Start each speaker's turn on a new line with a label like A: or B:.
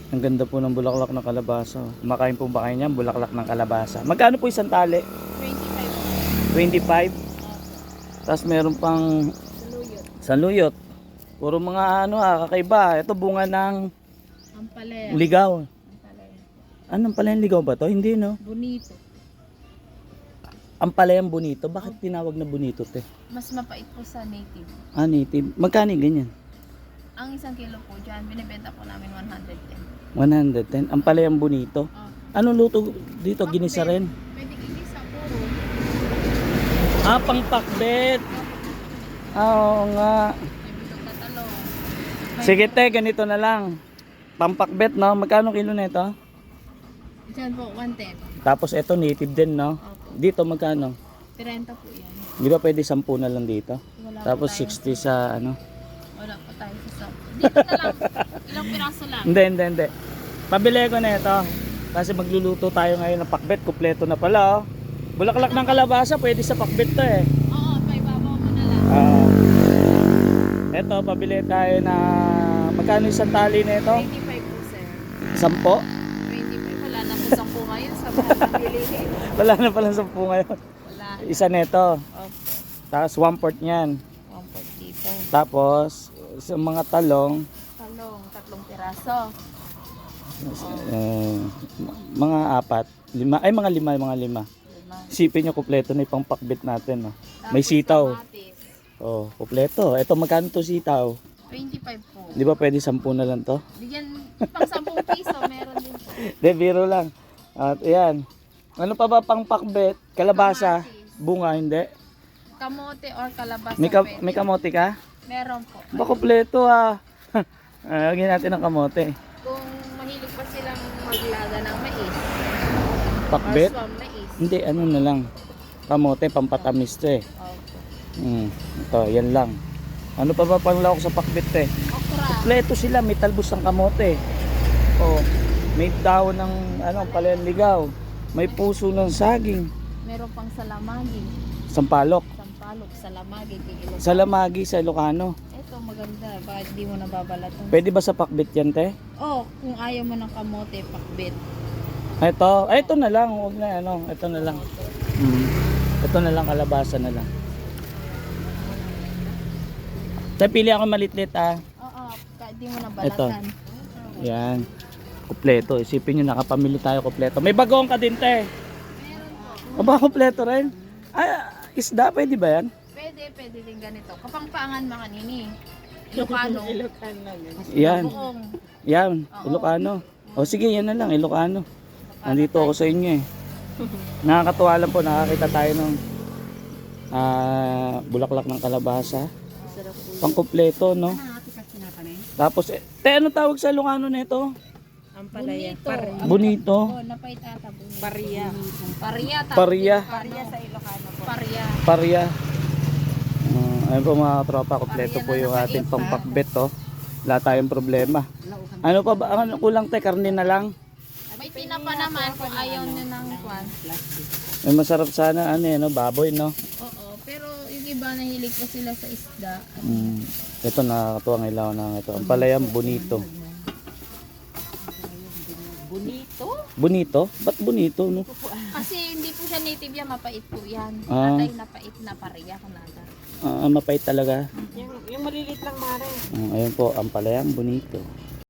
A: Ang ganda po ng bulaklak ng kalabasa. Kumakain po ba kayo niyan? Bulaklak ng kalabasa. Magkano po isang tali?
B: 25.
A: 25. Tapos meron pang
B: Saluyot.
A: saluyot. Puro mga kakaiba. Ito bunga ng
B: Ampalaya.
A: ligaw.
B: Ampalaya.
A: Anong pala yung ligaw ba to? Hindi no.
B: Bonito.
A: Ang palayang bonito. Bakit tinawag na bonito te?
B: Mas mapait po sa native.
A: Ah, native. Magkano yung ganyan?
B: Ang isang kilo po dyan, binibenta po namin 110.
A: 110. Ang palayang bonito.
B: Oh.
A: Anong luto dito? Ginisa rin.
B: Pwede igisa puro.
A: Ah, pangpakbet. Ah, oo nga.
B: May bilog na talong.
A: Sige te, ganito na lang. Pampakbet no? Magkano kilo na ito?
B: Dyan po, 110.
A: Tapos ito native din no?
B: Opo.
A: Dito magkano?
B: 30 po yan.
A: Di ba pwede 10 na lang dito?
B: Wala
A: Tapos
B: po tayo.
A: 60 sa
B: Wala po tayo sa shop. Dito na lang. Ilang piraso lang.
A: Hindi. Pabili ko na ito. Kasi magluluto tayo ngayon ng pakbet. Kumpleto na pala oh. Bulaklak ng kalabasa, pwede sa pakbet to eh.
B: Oo, may babaw mo na lang.
A: Ito, pabili tayo na magkano isang tali na ito?
B: 25 po, sir.
A: 10?
B: 25. Wala na po 10 ngayon sa mga bilihin.
A: Wala na pala 10 ngayon.
B: Wala.
A: Isa nito.
B: Opo.
A: Tapos 1/4 niyan.
B: 1 dito.
A: Tapos sa mga talong,
B: Talong, 3 piraso.
A: mga 4, 5, ay mga 5, mga 5.
B: 5.
A: Isipin nyo, kumpleto na yung pakbet natin. No? May
B: Tapos
A: sitaw.
B: kamatis,
A: Oh, kumpleto. Ito, magkano to sitaw?
B: 25 po.
A: Di ba pwede 10 na lang to?
B: Bigyan pang 10 piso, meron din po.
A: De, biro lang. At ayan. Ano pa ba pang pakbet? Kalabasa?
B: Kamatis.
A: Bunga, hindi.
B: Kamote or kalabasa
A: May
B: pwede.
A: kamote ka?
B: Meron po.
A: Ba, kumpleto ah. Lagyan natin ng kamote.
B: Kung mahilig pa silang maglaga ng mais.
A: Pakbet?
B: Or swam mais.
A: Hindi, ano na lang. Kamote, pampatamis to eh.
B: Opo.
A: Ito, yan lang. Ano pa ba pang lawak sa pakbet eh?
B: Okra.
A: Kompleto sila, may talbos ng kamote. Oh, may dahon ng palenligaw. May puso ng saging.
B: Meron pang salamagi.
A: Sampalok.
B: Sampalok, salamagi, kikilo.
A: Salamagi sa Ilocano.
B: Ito maganda, bakit di mo nababalatan?
A: Pwede ba sa pakbet yan, te?
B: Oh, kung ayaw mo ng kamote, pakbit.
A: Ito na lang. Huwag na, ito na lang. Ito na lang, kalabasa na lang. Te, pili ako malitlit ah.
B: Oo, kahit di mo nabalatan.
A: Yan. Kompleto. Isipin nyo, nakapamili tayo kompleto. May bagong ka din, te.
B: Meron po.
A: Aba, kompleto rin. Ay, isda, pwede ba yan?
B: Pwede din ganito. Kapangpangan mga nini. Ilocano.
A: Yan.
B: Buong.
A: Yan.
B: Oo.
A: Ilocano. O sige, yan na lang. Ilocano. Nandito ako sa inyo eh. Nakakatuwa lang po. Nakakita tayo ng bulaklak ng kalabasa. Pangkompleto, no? Tapos, te, ano tawag sa Ilocano nito?
B: Ampalaya.
A: Bonito.
B: Oh, napait ata bonito.
C: Paria.
B: Paria.
A: Paria.
C: Paria sa Ilocano po.
B: Paria.
A: Paria. Ayun po mga tropa, kompleto po yung ating pampakbet, oh. Wala tayong problema. Ano pa ba? Ano kulang te? Karne na lang?
B: May tinapa naman kung ayaw nyo ng kwan.
A: May masarap sana, baboy, no?
B: Oo, pero yung iba nahilig po sila sa isda.
A: Ito, nakakatuwang ilaw na ito. Ang palayang bonito.
C: Bonito?
A: Bonito? Ba't bonito, no?
B: Kasi hindi po siya native yan, mapait po yan.
A: Ah.
B: Atay napait na paria kanada.
A: Mapait talaga.
C: Yung malilit lang mare.
A: Ayun po, ang palayang bonito.